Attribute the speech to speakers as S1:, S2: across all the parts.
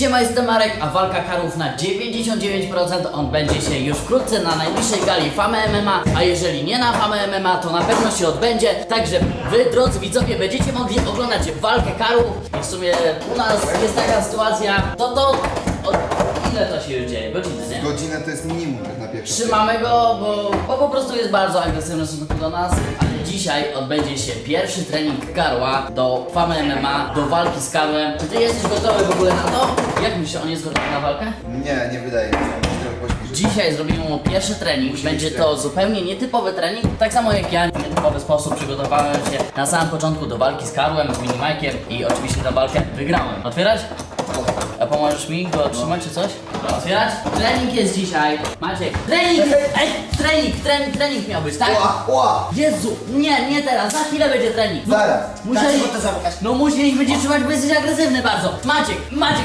S1: Siema, jestem Marek, a walka karów na 99% on będzie się już wkrótce na najbliższej gali Fame MMA, a jeżeli nie na Fame MMA, to na pewno się odbędzie, także wy, drodzy widzowie, będziecie mogli oglądać walkę karów i w sumie u nas jest taka sytuacja, ile to się już dzieje? Godziny, nie?
S2: Godzinę to jest minimum tak na pierwszy.
S1: Trzymamy go, bo po prostu jest bardzo agresywny w stosunku do nas. Ale dzisiaj odbędzie się pierwszy trening Karła do Fame MMA, do walki z Karłem. Czy ty jesteś gotowy w ogóle na to? Jak myślisz, on jest gotowy na walkę?
S2: Nie wydaje mi się, trochę pośpieszyć.
S1: Dzisiaj zrobimy mu pierwszy trening. Będzie to zupełnie nietypowy trening. Tak samo jak ja, w nietypowy sposób przygotowałem się na samym początku do walki z Karłem, z Minimajkiem i oczywiście tę walkę wygrałem. Otwierać? A pomożesz mi go trzymać czy coś? Otwierać? Trening jest dzisiaj. Maciek, trening! Trening miał być, tak?
S2: Ła!
S1: Jezu, nie teraz, za chwilę będzie trening.
S2: Zaraz.
S1: Musieli,
S3: to zamykać?
S1: no musieliśmy cię trzymać, bo jesteś agresywny bardzo. Maciek.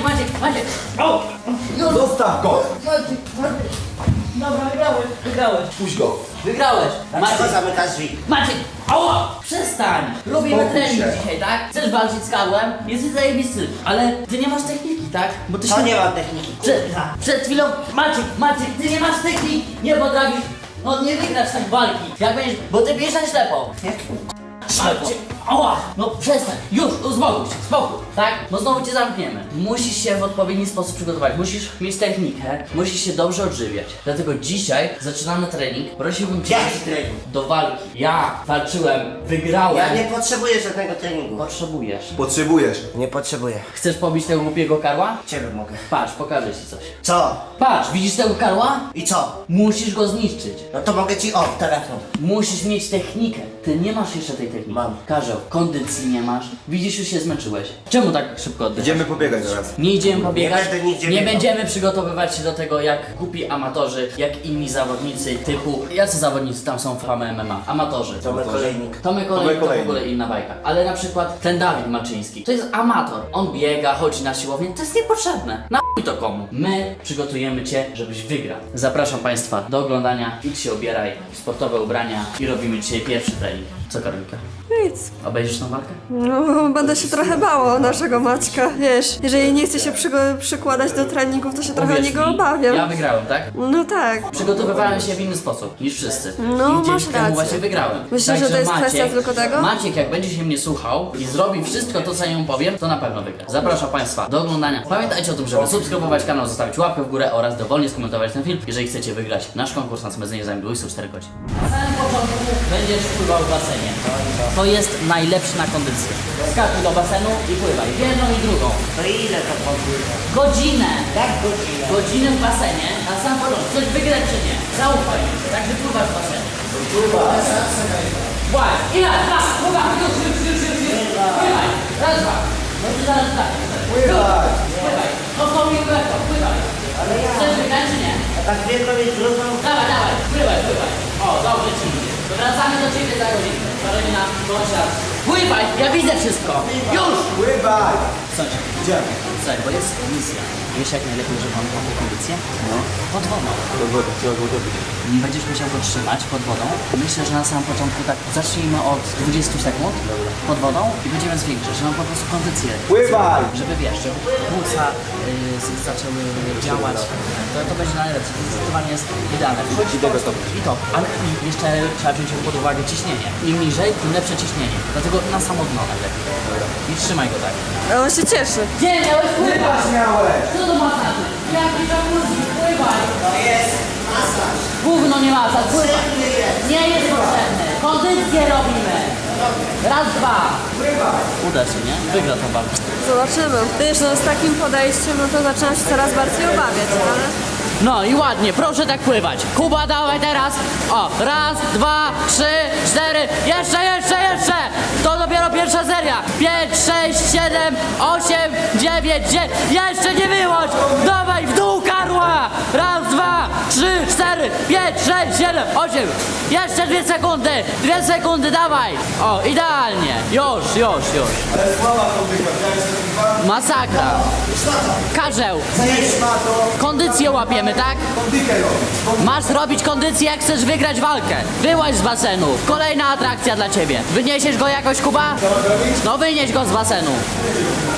S1: O! Już.
S2: Zostaw go!
S1: Maciek. Dobra, wygrałeś.
S2: Puść go!
S1: Wygrałeś.
S3: Dlaczego zamykasz drzwi?
S1: Maciek, ała! Przestań! Robimy
S2: Spokój
S1: trening
S2: się.
S1: dzisiaj, tak? Chcesz walczyć z Karłem? Jesteś zajebisty, ale ty nie masz techniki, tak? Bo ty
S3: To nie mam techniki.
S1: Przed chwilą, Maciek, ty nie masz techniki! Nie potrafisz, no nie wygrasz tak walki. Jak będziesz, bo ty bierzesz na ślepo. Maciek, ała! No przestań, już, uspokój się, spokój, tak? Bo znowu cię zamkniemy. Musisz się w odpowiedni sposób przygotować, musisz mieć technikę, musisz się dobrze odżywiać. Dlatego dzisiaj zaczynamy trening. Prosiłbym cię
S3: Jaki trening?
S1: do walki. Ja walczyłem, wygrałem.
S3: Ja nie potrzebuję żadnego treningu.
S1: Potrzebujesz.
S2: Potrzebujesz.
S3: Nie potrzebuję.
S1: Chcesz pobić tego głupiego karła?
S3: Ciebie mogę.
S1: Patrz, pokażę ci coś.
S3: Co?
S1: Patrz, widzisz tego karła?
S3: I co?
S1: Musisz go zniszczyć.
S3: No to mogę ci telefon.
S1: Musisz mieć technikę. Ty nie masz jeszcze tej techniki.
S3: Mam.
S1: Karzeł, kondycji nie masz. Widzisz, już się zmęczyłeś. Czemu tak szybko oddychasz?
S2: Idziemy pobiegać teraz.
S1: Nie idziemy pobiegać,
S3: Nie będę nigdzie
S1: nie
S3: biegał.
S1: będziemy przygotowywać się do tego jak głupi amatorzy, jak inni zawodnicy typu... Jacy zawodnicy tam są w Fame MMA? Amatorzy.
S3: Tomek Olejnik.
S1: Tomek Olejnik to w
S2: Olejnik.
S1: ogóle inna bajka. Ale na przykład ten Dawid Malczyński, to jest amator. On biega, chodzi na siłownię, to jest niepotrzebne. Na chuj to komu? My przygotujemy cię, żebyś wygrał. Zapraszam Państwa do oglądania. Idź się ubieraj w sportowe ubrania i robimy dzisiaj pierwszy trening. Co, Karolinka?
S4: Nic.
S1: Obejrzysz tą walkę?
S4: No, będę się trochę bała naszego Maćka, wiesz. Jeżeli nie chce się przykładać do treningów, to się trochę o
S1: Uwierz
S4: niego
S1: mi,
S4: obawiam.
S1: Ja wygrałem, tak?
S4: No tak.
S1: Przygotowywałem się w inny sposób niż wszyscy.
S4: No,
S1: I dzięki
S4: masz
S1: temu
S4: rację.
S1: właśnie wygrałem.
S4: Myślisz, że to jest kwestia tylko tego?
S1: Maciek, jak będzie się mnie słuchał i zrobi wszystko to, co ja mu powiem, to na pewno wygra. Zapraszam Państwa do oglądania. Pamiętajcie o tym, żeby subskrybować kanał, zostawić łapkę w górę oraz dowolnie skomentować ten film, jeżeli chcecie wygrać nasz konkurs na smedzenie zajmie 24 godzin. Na samym początku będziesz pływał w basenie. To jest najlepszy na kondycję. Skakuj do basenu i pływaj. Jedną i drugą.
S3: To ile to podwójne?
S1: Godzinę.
S3: Jak godzinę?
S1: Godzinę w basenie, na sam początku. Coś wygrać czy nie? Zaufaj mi. Także pływasz w basenie. Właśnie. I raz, dwa, pływaj. Już. Pływaj. Raz, dwa. No ty zaraz tak.
S2: Pływaj.
S1: Pływaj. Odpowiedź lekko. Pływaj.
S3: Ale ja.
S1: Chcesz wygrać czy nie?
S3: A tak wielko mieć drugą?
S1: Dawaj. Pływaj. O, dobrze ci idzie. Wracamy do ciebie za godzinę. Karolina, bądź raz. Pływaj. Ja widzę wszystko. Już.
S2: Pływaj!
S1: Słuchaj.
S2: Idziemy.
S1: Słuchaj, bo jest misja. Wiesz jak najlepiej, żeby on miał kondycję?
S2: No.
S1: Pod wodą.
S2: Trzeba go dobyć.
S1: Będziesz musiał go trzymać pod wodą. Myślę, że na samym początku tak zacznijmy od 20 sekund pod wodą i będziemy zwiększać, żeby on po prostu kondycję.
S2: Pływaj!
S1: Żeby wiesz, żeby płuca zaczęły działać. To będzie najlepsze. Zdecydowanie jest idealne.
S2: I tego stopnia.
S1: I to. Ale i jeszcze trzeba wziąć pod uwagę ciśnienie. Im niżej, tym lepsze ciśnienie. Dlatego na samo dno najlepiej. I trzymaj go tak.
S4: A on się cieszy.
S1: Gdzie miałeś pływać?
S2: Miałeś!
S1: Co to masaż? Jaki jacuzzi? Pływaj!
S3: To jest masaż.
S1: Gówno nie masaż, pływaj!
S3: Potrzebny jest.
S1: Nie jest potrzebny. Kondycję robimy. Raz, dwa. Uda się, nie? Wygra tą walkę.
S4: Zobaczymy. Wiesz, no z takim podejściem, no to zaczynam się coraz bardziej obawiać, ale...
S1: No i ładnie, proszę tak pływać. Kuba, dawaj teraz. O, raz, dwa, trzy, cztery. Jeszcze. To dopiero pierwsza seria. 5, 6, 7, 8, 9, 10. Jeszcze nie wyłącz. Dawaj w dół, Karła. Raz, dwa, trzy, cztery, 5, 6, 7, 8. Jeszcze 2 sekundy. 2 sekundy, dawaj. O, idealnie. Już.
S2: Ale słaba to wygląda.
S1: Masakra. Karzeł,
S2: Zjedź ma to.
S1: kondycję łapiemy, tak?
S2: Kondykę robić.
S1: Masz robić kondycję, jak chcesz wygrać walkę. Wyłaź z basenu. Kolejna atrakcja dla ciebie. Wyniesiesz go jakoś, Kuba? No wynieś go z basenu.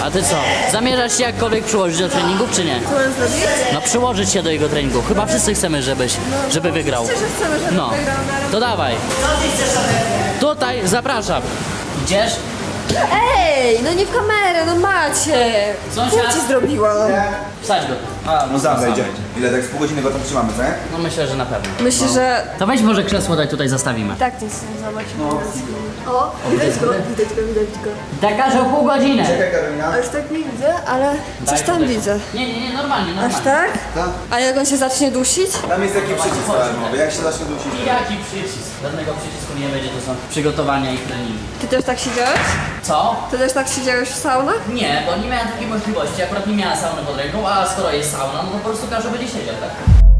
S1: A ty co? Zamierzasz się jakkolwiek przyłożyć do treningów, czy nie?
S4: Co mam zrobić?
S1: No przyłożyć się do jego treningu. Chyba wszyscy chcemy, żeby wygrał.
S4: Myślę, że chcemy, żeby
S1: No,
S4: wygrał na rok.
S1: to dawaj.
S3: Co ty chcesz ode mnie?
S1: Tutaj, zapraszam. Idziesz?
S4: Ej, no nie w kamerę, no macie.
S1: Sąsiad.
S4: Co ci zrobiłam?
S1: Wsadź go.
S2: No sam wejdzie. Ile, tak z pół godziny go tam trzymamy, co nie?
S1: No myślę, że na pewno.
S4: Myślę, że...
S1: To weź może krzesło daj tutaj zastawimy.
S4: Tak nic nie zobacz. O, widać go, widać go.
S1: Tak każe o pół godziny.
S2: Czekaj, Karolina.
S4: Aż tak nie widzę, ale coś tam
S1: tutaj.
S4: widzę.
S1: Nie, normalnie.
S4: Aż tak?
S2: Tak.
S4: A jak on się zacznie dusić?
S2: Tam jest taki przycisk alarmowy, jak się zacznie dusić.
S1: Jaki przycisk? Żadnego przycisku nie będzie, to są przygotowania i treningi.
S4: Ty też tak siedziałeś?
S1: Co?
S4: Ty też tak siedziałeś w saunach?
S1: Nie, bo nie miałem takiej możliwości. Akurat nie miałem sauny pod ręką, a skoro jest sauna, no to po prostu każdy będzie siedział, tak?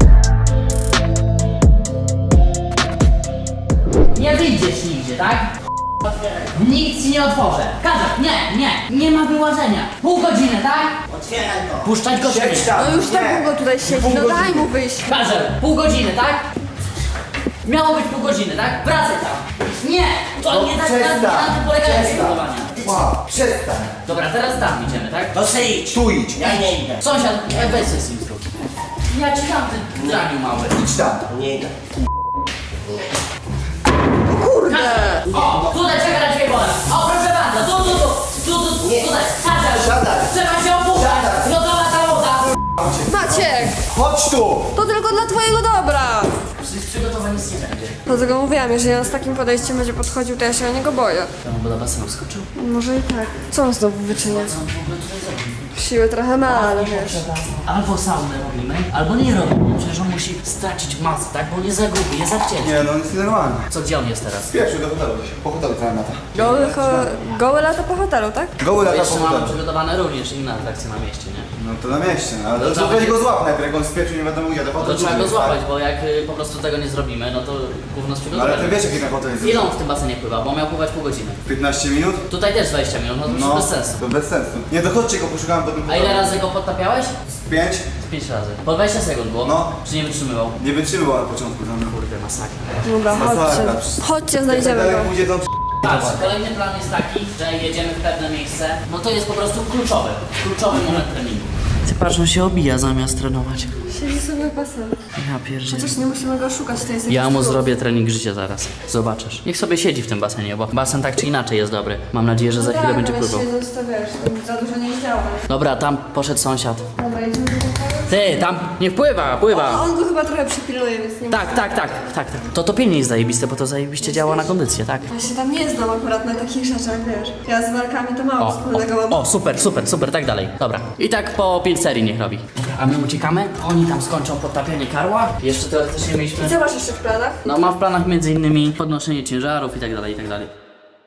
S1: Nie wyjdziesz nigdzie, tak? Nikt ci nie otworzę. Każę, nie ma wyłażenia. Pół godziny, tak?
S3: Otwieraj to.
S1: Puszczać go czy
S2: Siedź
S1: nie?
S2: tam.
S4: No już tak
S2: Nie.
S4: długo tutaj siedzi,
S2: Pół
S4: no daj
S2: godziny.
S4: mu wyjść.
S1: Każę, pół godziny, tak? Miało być pół godziny, tak? Wracaj tam. Nie! To nie tak
S2: przestań,
S1: na tym polegają
S2: przestań.
S1: przygotowania.
S2: Wow, przestań.
S1: Dobra, teraz tam idziemy, tak?
S3: To se idź.
S2: Tu idź.
S3: Ja nie idę.
S1: Sąsiad, weź sobie z nim zrób. Ja ci dam ten draniu mały.
S2: Idź tam.
S3: Nie idę.
S4: Kurde!
S1: O, tutaj czeka na ciebie woda. O, proszę bardzo, tu,
S3: Nie.
S1: tutaj. Siadaj.
S2: Siadaj.
S1: Trzeba się opuszczać.
S2: Siadaj.
S1: Gotowa ta woda.
S4: Maciek!
S2: Chodź tu.
S4: To tylko dla twojego dobra!
S1: Z przygotowań nic nie będzie.
S4: Dlatego mówiłam, jeżeli on z takim podejściem będzie podchodził, to ja się o niego boję.
S1: To on do basenu skoczył.
S4: Może i tak. Co on znowu wyczynia?
S1: Co on w ogóle tutaj zrobił?
S4: Siły trochę ma, ale wiesz.
S1: Albo saunę robimy, albo nie robimy. Przecież on musi stracić masę, tak? Bo nie za gruby, jest za wcięty.
S2: Nie, no on jest normalny.
S1: Co, gdzie on jest teraz?
S2: Pierwszy do hotelu. Po hotelu cała lata.
S4: Gołe lata po hotelu, tak?
S2: Goły lata po
S1: Jeszcze mamy
S2: hotelu.
S1: przygotowane również inne atrakcje na mieście, nie?
S2: No to na mieście, no, ale
S1: No
S2: to
S1: trzeba
S2: weź
S1: będzie-
S2: go złap najpierw, jak on spieprzył, nie wiadomo gdzie.
S1: No to trzeba go złapać, bo jak po prostu tego nie zrobimy, no to gówno z
S2: Ale ty
S1: przygotowaniem.
S2: wiesz jaki ten hotel jest?
S1: Ile on w tym basenie pływa? Bo miał pływać pół godziny.
S2: 15 minut?
S1: Tutaj też 20 minut, no to już
S2: No,
S1: bez sensu.
S2: to bez sensu. Nie, to chodźcie go poszukałem po tym
S1: A ile razy go podtapiałeś?
S2: 5?
S1: 5 razy. Po 20 sekund było?
S2: No.
S1: Czy nie wytrzymywał?
S2: Nie wytrzymał na początku. No.
S1: Kurde, masakra.
S4: Dobra,
S2: Masakra.
S4: chodźcie. Chodźcie, znajdziemy
S2: Jak
S4: go.
S2: dalej pójdzie, to
S1: Patrz, kolejny plan jest taki, że jedziemy w pewne miejsce. No to jest po prostu kluczowy moment treningu. Ty patrz, on się obija zamiast trenować.
S4: Siedzi sobie w basenie.
S1: Ja pierdzielę.
S4: Chociaż nie musimy go szukać, to jest
S1: Ja
S4: jakiś
S1: mu
S4: plus.
S1: zrobię trening życia zaraz. Zobaczysz. Niech sobie siedzi w tym basenie, bo basen tak czy inaczej jest dobry. Mam nadzieję, że za chwilę będzie
S4: ale
S1: pływał.
S4: siedząc to wiesz, to za dużo nie działa.
S1: Dobra, tam poszedł sąsiad.
S4: Dobra, idziemy do pokoju.
S1: Ty, tam niech pływa, pływa.
S4: A on go chyba trochę przypilnuje, więc nie
S1: Tak. To topienie jest zajebiste, bo to zajebiście działa na kondycję, tak?
S4: Ja się tam nie znam akurat na takich rzeczach, wiesz. Ja z walkami to mało wspólnego mam.
S1: O, super, tak dalej. Dobra. I tak po 5 serii niech robi. A my uciekamy, oni tam skończą podtapianie karła. Jeszcze teoretycznie mieliśmy...
S4: Co masz jeszcze w planach?
S1: No mam w planach między innymi podnoszenie ciężarów i tak dalej, i tak dalej.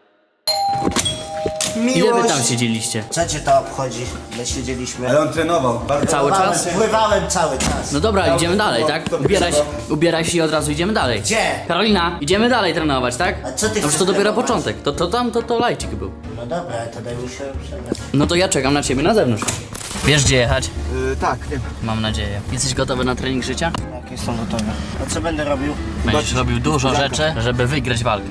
S1: Ile wy tam siedzieliście?
S3: Co cię to obchodzi? My siedzieliśmy.
S2: Ale on trenował. Bardzo
S1: Cały czas?
S3: Pływałem cały czas.
S1: No dobra, idziemy dalej, tak?
S2: to
S1: Ubieraj się i od razu idziemy dalej.
S3: Gdzie?
S1: Karolina, idziemy dalej trenować, tak?
S3: A co ty
S1: No
S3: chcesz
S1: przecież to dopiero
S3: trenować?
S1: początek. To lajcik był.
S3: No dobra, to daj mi się przebrać.
S1: No to ja czekam na ciebie na zewnątrz. Wiesz gdzie jechać?
S2: Tak, wiem.
S1: Mam nadzieję. Jesteś gotowy na trening życia?
S3: Jak jestem gotowy. A co będę robił?
S1: Będziesz robił dużo rzeczy, żeby wygrać walkę.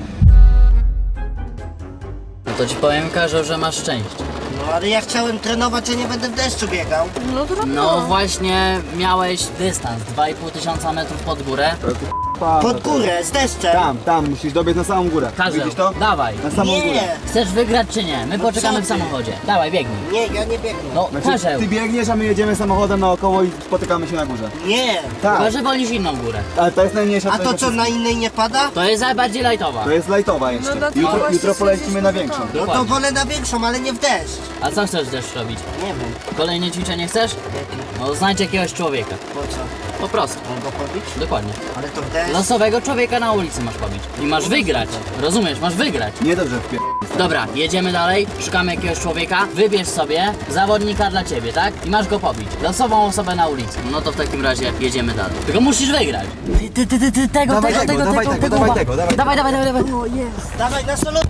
S1: No to ci powiem, Karol, że masz szczęście.
S3: No ale ja chciałem trenować, a nie będę w deszczu biegał.
S4: No to
S1: No właśnie miałeś dystans 2,5 metrów pod górę.
S3: Pod górę, z deszczem.
S2: Tam, musisz dobiec na samą górę.
S1: Karol,
S2: Widzisz to?
S1: dawaj.
S2: Na samą górę.
S3: Nie,
S1: Chcesz wygrać czy nie? My poczekamy
S3: co
S1: w
S3: ty?
S1: samochodzie. Dawaj, biegnij.
S3: nie, ja nie biegnę.
S1: No, Karzeł,
S2: Ty biegniesz, a my jedziemy samochodem naokoło i spotykamy się na górze.
S3: Nie.
S2: Tak,
S1: chyba że wolisz inną górę.
S2: ale to jest najmniejsza
S3: A to co, na innej nie pada?
S1: To jest najbardziej lajtowa.
S2: To jest lajtowa jeszcze.
S4: No dlatego
S2: Jutro
S4: właśnie
S2: polecimy na
S4: stwierdziliśmy,
S2: większą.
S4: że
S3: No to wolę na większą, ale nie w deszcz.
S1: A co chcesz też robić?
S3: Nie wiem.
S1: Kolejne ćwiczenie chcesz?
S3: Jaki?
S1: No znajdź jakiegoś człowieka.
S3: Po co?
S1: Po prostu.
S3: Mam go pobić?
S1: Dokładnie.
S3: Ale to w deszcz?
S1: Losowego człowieka na ulicy masz pobić. I masz wygrać. Rozumiesz, masz wygrać.
S2: Niedobrze w
S1: Dobra, jedziemy dalej, szukamy jakiegoś człowieka, wybierz sobie zawodnika dla ciebie, tak? I masz go pobić. Losową osobę na ulicy. No to w takim razie jedziemy dalej. Tylko musisz wygrać. Tego.
S2: Dawaj tego.
S1: Dawaj.
S4: O, jest.
S3: Dawaj na solo.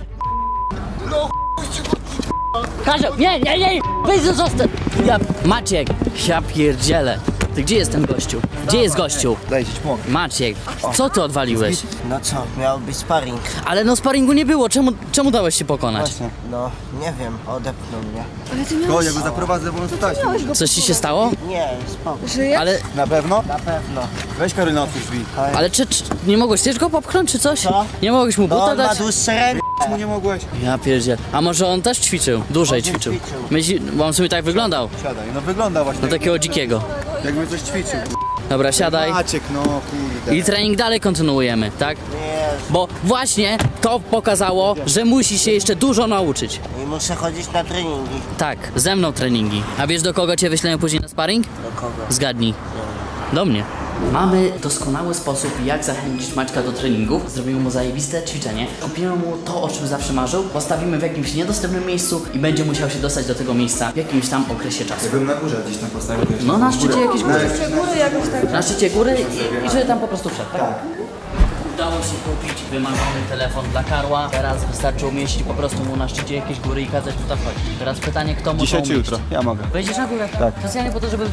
S1: Kazio, nie, wyjdź zostaw. Maciek, ja pierdzielę. Ty gdzie jest ten gościu? Gdzie jest gościu?
S2: Daj ci pomogę.
S1: Maciek, co ty odwaliłeś?
S3: No co, miał być sparring.
S1: Ale no sparingu nie było, czemu dałeś się pokonać?
S2: Właśnie.
S3: No, nie wiem, odepnął mnie.
S4: Ale ty
S2: To
S4: miałeś...
S2: ja go zaprowadzę, bo on tutaj.
S1: Coś ci się stało?
S3: Nie, spoko,
S4: Żyje?
S1: Ale,
S2: Na pewno?
S3: na pewno.
S2: Weź Karolina, otwórz drzwi.
S1: ale czy nie mogłeś też go popchnąć czy coś?
S3: Co?
S1: Nie mogłeś mu
S3: No
S1: buta
S3: on ma
S1: dać?
S3: dłuższe ręce.
S2: Czemu nie mogłeś?
S1: Ja pierdziel. A może on też ćwiczył? Dłużej
S3: Może
S1: ćwiczył.
S3: ćwiczył.
S1: Bo on sobie tak wyglądał.
S2: Siadaj, no wygląda właśnie.
S1: No takiego dzikiego.
S2: Jakby coś ćwiczył.
S1: Dobra, siadaj.
S2: Maciek, no kurde.
S1: I trening dalej kontynuujemy, tak?
S3: Nie,
S1: Bo właśnie to pokazało, że musi się jeszcze dużo nauczyć.
S3: i muszę chodzić na treningi.
S1: Tak, ze mną treningi. A wiesz do kogo cię wyślemy później na sparring?
S3: Do kogo?
S1: Zgadnij. Do mnie. Mamy doskonały sposób, jak zachęcić Maćka do treningów. Zrobimy mu zajebiste ćwiczenie. Kupimy mu to, o czym zawsze marzył. Postawimy w jakimś niedostępnym miejscu i będzie musiał się dostać do tego miejsca w jakimś tam okresie czasu.
S2: Jakbym na górze gdzieś tam postawił. wiesz,
S1: No na szczycie jakiejś góry.
S4: Góry jakoś tak.
S1: Na szczycie góry i żeby tam po prostu wszedł, tak? Udało się kupić wymarzony telefon dla Karła. Teraz wystarczy umieścić po prostu mu na szczycie jakiejś góry i kazać tu tam chodzić. Teraz pytanie, kto mu
S2: Dzisiaj
S1: to
S2: czy
S1: umieści?
S2: jutro? Ja mogę.
S1: Wejdziesz na górę?
S2: Tak.
S1: Specjalnie po to, żeby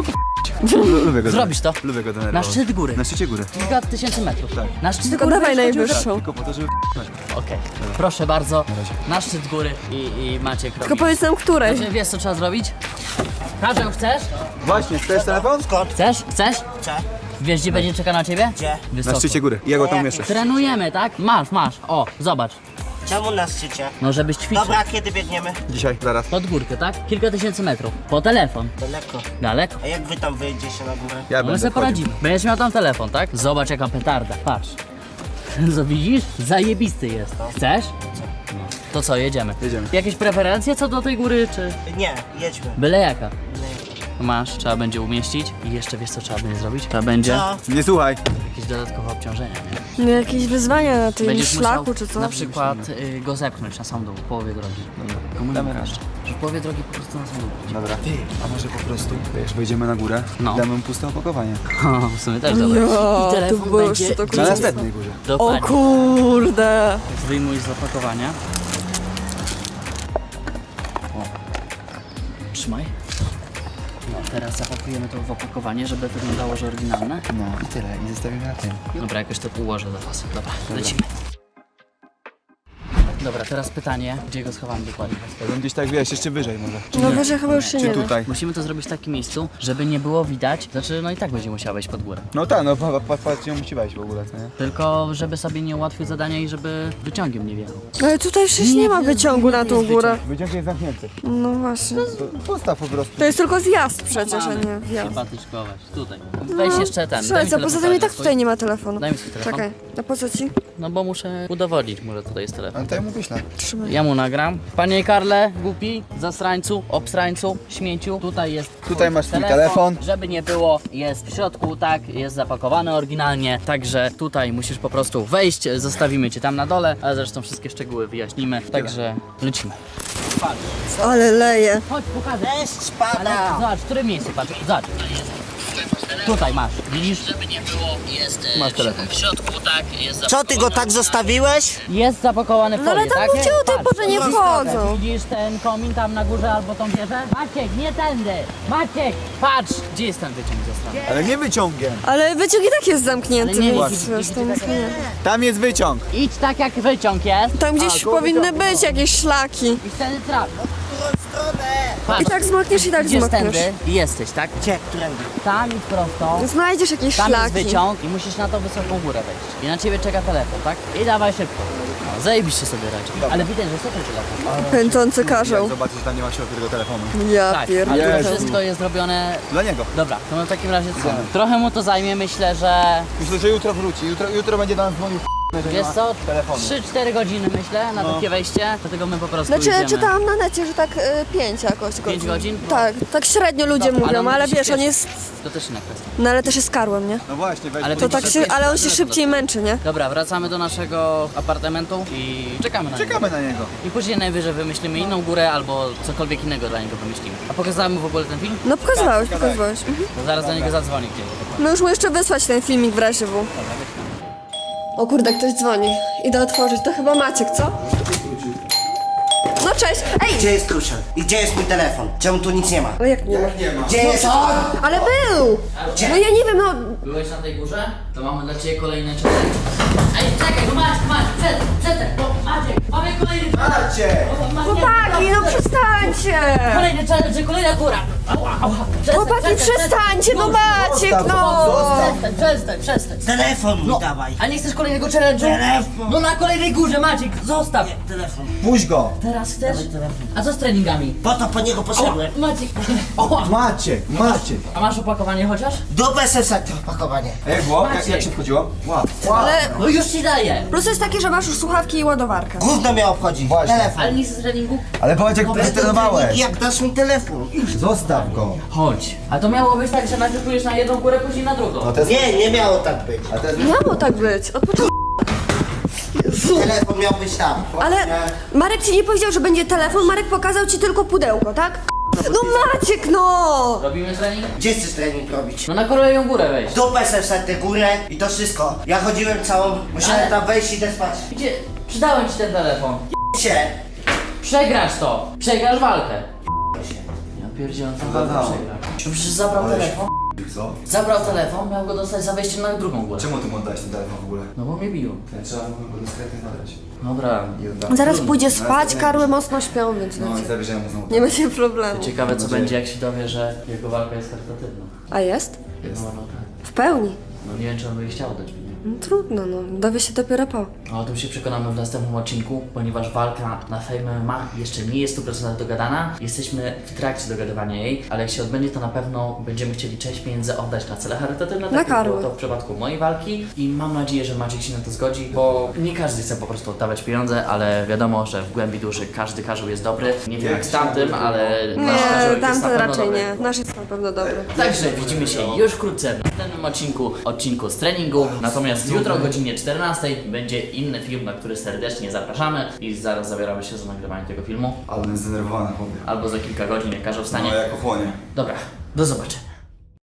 S2: Lubię go.
S1: zrobić to.
S2: Lubię go
S1: Na
S2: denerwować.
S1: szczyt góry.
S2: Na szczycie góry.
S1: Kilka tysięcy metrów.
S2: Tak.
S1: Na szczyt
S4: Tylko
S1: góry
S4: dawaj
S1: będziesz chodził?
S4: najwyższą.
S2: Tylko po to, żeby
S1: Okej. Proszę bardzo. Na szczyt góry i Maciek robi.
S4: Tylko powiedz nam, której.
S1: Znaczy, wiesz co trzeba zrobić? Karzeł, chcesz?
S2: Właśnie, chcesz telefon?
S3: Skąd?
S1: Chcesz? Chcesz?
S3: Chcę?
S1: Wiesz gdzie będzie czekał na ciebie?
S3: Gdzie?
S1: Wysoko.
S2: Na szczycie góry. Ja go tam umieszczę.
S1: Trenujemy, tak? Masz. O, zobacz.
S3: Czemu na szczycie?
S1: No żebyś ćwiczył.
S3: Dobra, kiedy biegniemy?
S2: Dzisiaj, zaraz.
S1: Pod górkę, tak? Kilka tysięcy metrów. Po telefon.
S3: Daleko.
S1: Daleko.
S3: A jak wy tam wyjedziecie na górę?
S2: Ja
S1: No my
S2: będę
S1: sobie
S2: wchodził.
S1: poradzimy. Będziesz miał tam telefon, tak? Zobacz jaka petarda. Patrz. Co widzisz? Zajebisty jest. Chcesz? No. To co, jedziemy?
S2: Jedziemy.
S1: Jakieś preferencje co do tej góry, czy
S3: Nie, jedźmy.
S1: byle jaka? Masz, trzeba będzie umieścić i jeszcze wiesz co trzeba będzie zrobić? Trzeba będzie
S3: Co?
S2: Nie słuchaj.
S1: jakieś dodatkowe obciążenia, nie?
S4: No jakieś wyzwania na tym
S1: Będziesz
S4: szlaku
S1: musiał
S4: czy co?
S1: na przykład go zepchnąć na sam dół, w połowie drogi. Komu nie mówisz? Że w połowie drogi po prostu na sam dół.
S2: Dobra. Ty, a może po prostu, wiesz, wejdziemy na górę,
S1: No.
S2: damy mu puste opakowanie.
S1: W sumie też dobre.
S4: Ja,
S1: I
S4: to
S1: telefon
S4: było
S1: będzie...
S4: jeszcze to
S2: Na
S4: kurczę.
S2: następnej górze.
S4: O
S1: Dokładnie.
S4: kurde.
S1: Wyjmuj z opakowania. O. Trzymaj. No, teraz zapakujemy to w opakowanie, żeby wyglądało, że oryginalne.
S2: No i tyle. I zostawimy na tym.
S1: Dobra, jakoś to ułożę do was. Dobra, lecimy. Dobra, teraz pytanie, gdzie go schowamy dokładnie?
S2: Ja bym gdzieś tak, wiesz, jeszcze wyżej może.
S4: No wyżej chyba już się
S2: Czy
S4: nie da.
S2: tutaj?
S1: Musimy to zrobić w takim miejscu, żeby nie było widać, znaczy no i tak będzie musiała wejść pod górę.
S2: No tak, no patrz, ją musi wejść w ogóle, co nie?
S1: Tylko żeby sobie nie ułatwił zadania i żeby wyciągiem nie wjechał.
S4: Ale tutaj przecież nie ma wyciągu na tą górę.
S2: Wyciąg jest zamknięty.
S4: No właśnie.
S2: To postaw po prostu.
S4: To jest tylko zjazd przecież, a nie wjazd.
S1: Chyba tyczkować. Tutaj. Weź jeszcze ten. daj
S4: Słuchaj,
S1: mi
S4: co,
S1: telefon,
S4: poza tym i tak
S1: swój.
S4: tutaj nie ma telefonu.
S1: Daj mi swój telefon.
S4: Czekaj, a po co ci?
S1: No bo muszę udowodnić mu, że tutaj jest telefon.
S2: Ale to ja mu wyślę.
S4: Trzymaj.
S1: Ja mu nagram. Panie Karle, głupi, zasrańcu, obsrańcu, śmieciu, tutaj jest
S2: Tutaj masz swój telefon.
S1: Żeby nie było, jest w środku, tak, jest zapakowany oryginalnie, także tutaj musisz po prostu wejść, zostawimy cię tam na dole, ale zresztą wszystkie szczegóły wyjaśnimy, także lecimy. Patrz,
S4: Ale leje.
S1: chodź, pokażę.
S3: Deszcz
S1: Ale
S3: pada.
S1: zobacz, w którym miejscu, patrz, zobacz. Tutaj masz, widzisz? Żeby nie było, jest
S2: Masz telefon.
S1: w środku, tak, jest
S3: Co, ty go tak zostawiłeś?
S1: Jest zapakowany w
S4: No ale
S1: folię,
S4: tam
S1: tak?
S4: mówcie o tej
S1: Patrz.
S4: porze nie wchodzą.
S1: Widzisz ten komin tam na górze albo tą wieżę? Maciek, nie tędy! Maciek, patrz! Gdzie jest ten wyciąg ze strony?
S2: Ale nie wyciągiem.
S4: Ale wyciąg i tak jest zamknięty,
S1: Ale nie,
S4: więc
S1: idź,
S4: wiesz,
S1: idź,
S4: to
S1: idź,
S4: nic
S1: idź,
S4: nie.
S2: Tam jest wyciąg.
S1: Idź tak jak wyciąg jest
S4: Tam gdzieś powinny być jakieś szlaki.
S1: i wtedy traf. Patrz,
S4: I tak zmakniesz, i tak
S1: idziesz
S4: zmakniesz.
S1: tędy i jesteś, tak?
S3: Gdzie? Którędy?
S1: Tam idź prosto.
S4: Znajdziesz jakieś
S1: Tam jest
S4: szlaki.
S1: wyciąg i musisz na tą wysoką górę wejść. I na ciebie czeka telefon, tak? I dawaj szybko. No, zajebiście sobie radzi. Ale widać, że co ten telefon?
S4: Pędzący karzeł.
S2: Zobaczysz, że tam nie ma środka tego telefonu.
S4: Ja
S1: Tak, ale
S4: pierdolę.
S1: to
S2: Jezu.
S1: wszystko jest zrobione...
S2: Dla niego.
S1: Dobra, to w takim razie co? Trochę mu to zajmie, myślę, że...
S2: Myślę, że jutro wróci. Jutro będzie do nas dzwonił.
S1: Wiesz co?
S2: Telefonu.
S1: 3-4 godziny myślę na takie wejście, dlatego my po prostu
S4: Znaczy,
S1: idziemy.
S4: czytałam na necie, że tak 5 jakoś godzin.
S1: 5 godzin?
S4: Tak, tak średnio ludzie
S1: No,
S4: mówią,
S1: on
S4: ale
S1: musi
S4: wiesz, on
S1: śpieszyć.
S4: jest...
S1: To też inna kwestia.
S4: No ale też jest karłem, nie?
S2: No właśnie, weź.
S1: Ale
S2: bo-
S4: To tak się, ale on się szybciej męczy, nie?
S1: Dobra, wracamy do naszego apartamentu i czekamy na niego.
S2: Czekamy na niego.
S1: I później najwyżej wymyślimy inną górę albo cokolwiek innego dla niego wymyślimy. A pokazałem mu w ogóle ten film?
S4: No pokazywałeś. Mhm.
S1: To zaraz do niego zadzwoni gdzieś.
S4: No już mu jeszcze wysłać ten filmik w razie W. O kurde, ktoś dzwoni. Idę otworzyć. To chyba Maciek, co? No Cześć! Ej!
S3: Gdzie jest Kruszel? I gdzie jest mój telefon? Czemu tu nic nie ma?
S4: Ale jak nie ma?
S2: Nie ma.
S3: Gdzie jest on?
S4: Ale był!
S3: Gdzie?
S4: No ja nie wiem, no...
S1: Byłeś na tej górze? To mamy dla ciebie kolejny challenge. Ej, czekaj, no Maciek, przestań, bo Maciek, mamy kolejny
S2: Macie!
S4: Chłopaki, no przestańcie!
S1: Kolejny challenge, kolejna góra. Ała, ała.
S4: Chłopaki, przestańcie, no Maciek, no!
S1: Przestań.
S3: Telefon mi dawaj.
S1: A nie chcesz kolejnego challenge'u?
S3: Telefon.
S1: No na kolejnej górze, Maciek, zostaw.
S3: Telefon.
S2: Puść go!
S1: Teraz chcesz?
S3: Dawaj telefon.
S1: A co z treningami?
S3: Po to po niego
S1: O,
S3: poszedłem.
S1: Maciek. O,
S2: Macie!
S1: a masz opakowanie chociaż?
S3: Do BSS-a to opakowanie.
S2: A jak było?
S1: Maciek.
S2: Jak się wchodziło? Wow.
S4: Ale
S1: No już ci daję.
S4: plus jest taki, że masz już słuchawki i ładowarkę.
S3: Gówno mnie obchodzi.
S2: Właśnie.
S3: Telefon.
S1: Ale nie chcesz treningu?
S2: Ale powiedz jak ty trenowałeś.
S3: Jak dasz mi telefon?
S2: Zostaw go.
S1: Chodź. A to miało być tak, że najpierw pójdziesz na jedną górę, później na drugą.
S2: No to jest...
S3: Nie miało tak być.
S2: A to jest...
S4: Miało tak być, od początku.
S3: Telefon miał być tam.
S4: Ale Marek ci nie powiedział, że będzie telefon, Marek pokazał ci tylko pudełko, tak? No Maciek, no!
S1: Robimy trening?
S3: Gdzie chcesz trening robić?
S1: No na kolejną górę wejdź.
S3: Do BSS-a tę górę i to wszystko. Ja chodziłem całą, musiałem
S1: Ale-
S3: tam wejść i idę spać.
S1: Gdzie? Przydałem ci ten telefon.
S3: Się.
S1: Przegrasz to. Przegrasz walkę.
S3: się.
S1: Ja pierdzielę, tą walkę
S2: Zadało.
S1: przegra. To przecież zabrał telefon.
S2: Co?
S1: Zabrał telefon, miał go dostać za wejściem na drugą górę.
S2: Czemu ty mu oddałeś ten telefon w ogóle?
S1: No bo mnie bił.
S2: Trzeba mu go dyskretnie nagrać.
S1: Dobra.
S4: Zaraz pójdzie spać, karły mocno śpią, więc
S2: No i
S4: wiecie,
S2: zabierzemy mu znowu.
S4: nie będzie problemu.
S1: Ciekawe co będzie jak się dowie, że jego walka jest charytatywna.
S4: A jest?
S2: Jest.
S1: No tak.
S4: W pełni.
S1: No nie wiem czy on by chciał dać mi.
S4: No, trudno, no. Dowie się dopiero po.
S1: O tym się przekonamy w następnym odcinku, ponieważ walka na Fame MMA jeszcze nie jest 100% dogadana. Jesteśmy w trakcie dogadywania jej, ale jak się odbędzie, to na pewno będziemy chcieli część pieniędzy oddać na cele charytatywne.
S4: Na
S1: Tak jak było
S4: karły.
S1: to w przypadku mojej walki i mam nadzieję, że Maciek się na to zgodzi, bo nie każdy chce po prostu oddawać pieniądze, ale wiadomo, że w głębi duszy każdy karzeł jest dobry. Nie wiem jak z tamtym, ale nasz
S4: Nie,
S1: karzełek jest na
S4: tamten
S1: pewno
S4: raczej
S1: dobry.
S4: nie. Nasz jest na pewno dobry.
S1: Także widzimy się już wkrótce w następnym odcinku z treningu. Natomiast jutro o godzinie 14 będzie inny film, na który serdecznie zapraszamy i zaraz zabieramy się za nagrywanie tego filmu.
S2: Ale jest zdenerwowany chłopie.
S1: Albo za kilka godzin, jak każdy wstanie.
S2: No jak ochłonie.
S1: Dobra, do zobaczenia.